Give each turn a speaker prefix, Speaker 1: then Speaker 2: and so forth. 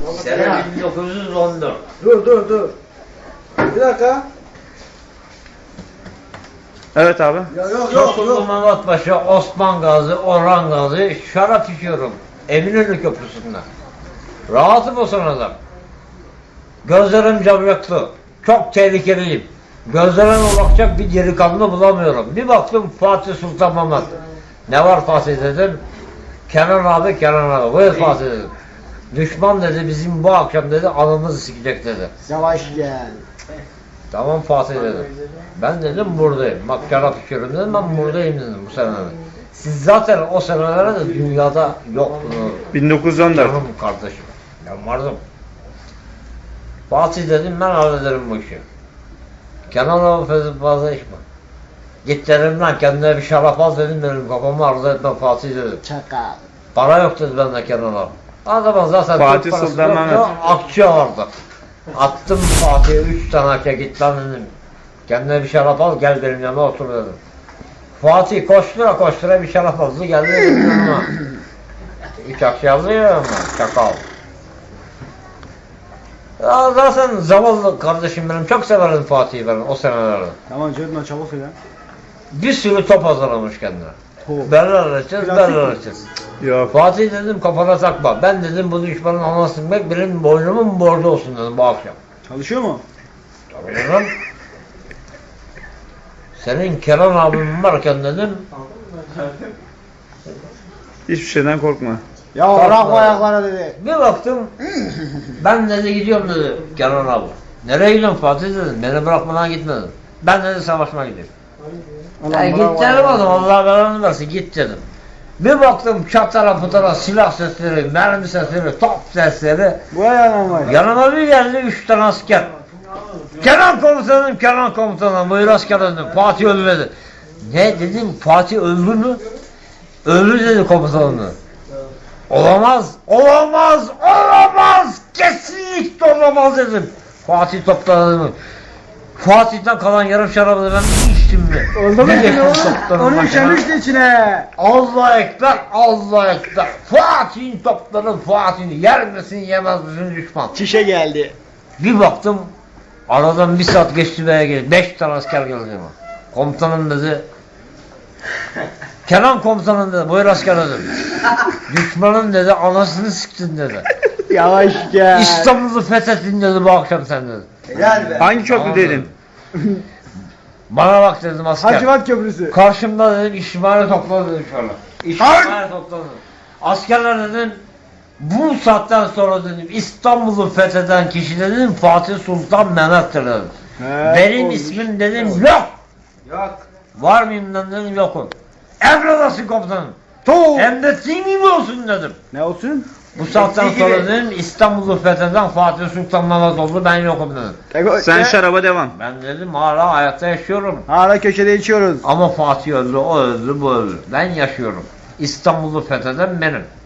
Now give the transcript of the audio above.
Speaker 1: Sene 1914.
Speaker 2: Dur. Bir dakika.
Speaker 3: Evet abi.
Speaker 2: Ya yok.
Speaker 1: Tosunlu Mehmet Paşa, Osman Gazi, Orhan Gazi şarap içiyorum. Eminönü Köprüsü'nde. Rahatım o sırada. Gözlerim camyaklı. Çok tehlikeliyim. Gözlerime bakacak bir delikanlı bulamıyorum. Bir baktım Fatih Sultan Mehmet. Ne var Fatih dedim. Kenan abi. Buyur Fatih dedim. Düşman dedi bizim bu akşam dedi anımızı sikecek dedi.
Speaker 2: Yavaş gel.
Speaker 1: Tamam Fatih dedim. Ben dedim buradayım. Bak şarap içiyorum dedim, ben buradayım dedim bu senelerde. Siz zaten o senelerde de dünyada yoktunuz.
Speaker 3: 1914.
Speaker 1: Canım kardeşim. Ben vardım. Fatih dedim ben hallederim bu işi. Kenan abi fazla içme. Git dedim lan kendine bir şarap al dedim, benim kafamı arzu etme Fatih dedim.
Speaker 2: Çakal.
Speaker 1: Para yok dedi bende Kenan abi. O zaman zaten
Speaker 3: Fatih
Speaker 1: Türk parası
Speaker 3: Sultan
Speaker 1: yoktu,
Speaker 3: Mehmet.
Speaker 1: akçe vardı. Attım Fatih'e 3 tane akçe, git lan dedim. Kendine bir şarap al gel benim yanıma otur dedim. Fatih koştura bir şarap aldı geldi benim yanıma. 3 akçe aldı ya ama çakal. Ya zaten zavallı kardeşim benim, çok severim Fatih'i ben o senelerde.
Speaker 2: Tamam Cedman çabuk ya.
Speaker 1: Bir sürü top hazırlamış kendine.
Speaker 2: Top.
Speaker 1: Berler açacağız.
Speaker 3: Yok.
Speaker 1: Fatih dedim kafana takma. Ben dedim bu düşmanın anasını bilmek benim boynumun borcu olsun dedim bu akşam.
Speaker 2: Çalışıyor mu?
Speaker 1: Tabii dedim. Senin Kenan abim varken dedim.
Speaker 3: Hiçbir şeyden korkma.
Speaker 2: Ya
Speaker 1: Kalk
Speaker 2: bırak
Speaker 1: lan.
Speaker 2: ayaklara dedi.
Speaker 1: Bir baktım. Ben dedi gidiyorum dedi Kenan abi. Nereye gidiyorsun Fatih dedim. Beni bırakmadan gitmedim. Ben dedi savaşmaya gidiyorum. Ya git dedim oğlum, Allah belanı versin git dedim. Bir baktım çatara putara silah sesleri, mermi sesleri, top sesleri.
Speaker 2: Bu ayağına var.
Speaker 1: Yanıma bir geldi 3 tane asker. Kenan komutanım, buyur asker dedim. Fatih öldü dedi. Ne dedim, Fatih öldü mü? Öldü dedi komutanım. Olamaz, kesinlikle olamaz dedim. Fatih topladı. Fatih'ten kalan yarım şarabı ben bir içtim mi?
Speaker 2: Oldu mu
Speaker 1: Bir
Speaker 2: şimdi
Speaker 1: geçtim
Speaker 2: oğlum?
Speaker 1: toplarım
Speaker 2: Onu
Speaker 1: başına.
Speaker 2: işemişti içine.
Speaker 1: Allah ekber. Fatih'in topları Fatih'in yer misin yemez misin düşman.
Speaker 2: Çişe geldi.
Speaker 1: Bir baktım aradan 1 saat geçti veya geldi. 5 tane asker geldi ama. Komutanım dedi. Kenan komutanım dedi. Buyur asker dedim. Düşmanın dedi anasını siktin dedi.
Speaker 2: Yavaş gel.
Speaker 1: İstanbul'u fethettin dedi bu akşam sen dedi.
Speaker 2: Helal be.
Speaker 3: Hangi köprü
Speaker 1: Tamam
Speaker 3: dedin?
Speaker 1: Bana bak dedim asker.
Speaker 2: Hacivat Köprüsü.
Speaker 1: Karşımda dedim İsmail'i topladı dedim şöyle. İsmail'i topladı. Askerler dedim bu saatten sonra dedim İstanbul'u fetheden kişi dedim Fatih Sultan Mehmet'tir dedim. Benim ismim dedim yok. Var mıyım dedim yokum. Emredasın komutanım. Hem de senin gibi olsun dedim.
Speaker 2: Ne olsun?
Speaker 1: Bu saatten sonra dedim İstanbul'u fetheden Fatih Sultan Mehmet oldu, ben yokum dedim.
Speaker 3: Sen şaraba devam.
Speaker 1: Ben dedim hala hayatta yaşıyorum.
Speaker 2: Hala köşede içiyoruz.
Speaker 1: Ama Fatih öldü, o öldü, bu öldü. Ben yaşıyorum. İstanbul'u fetheden benim.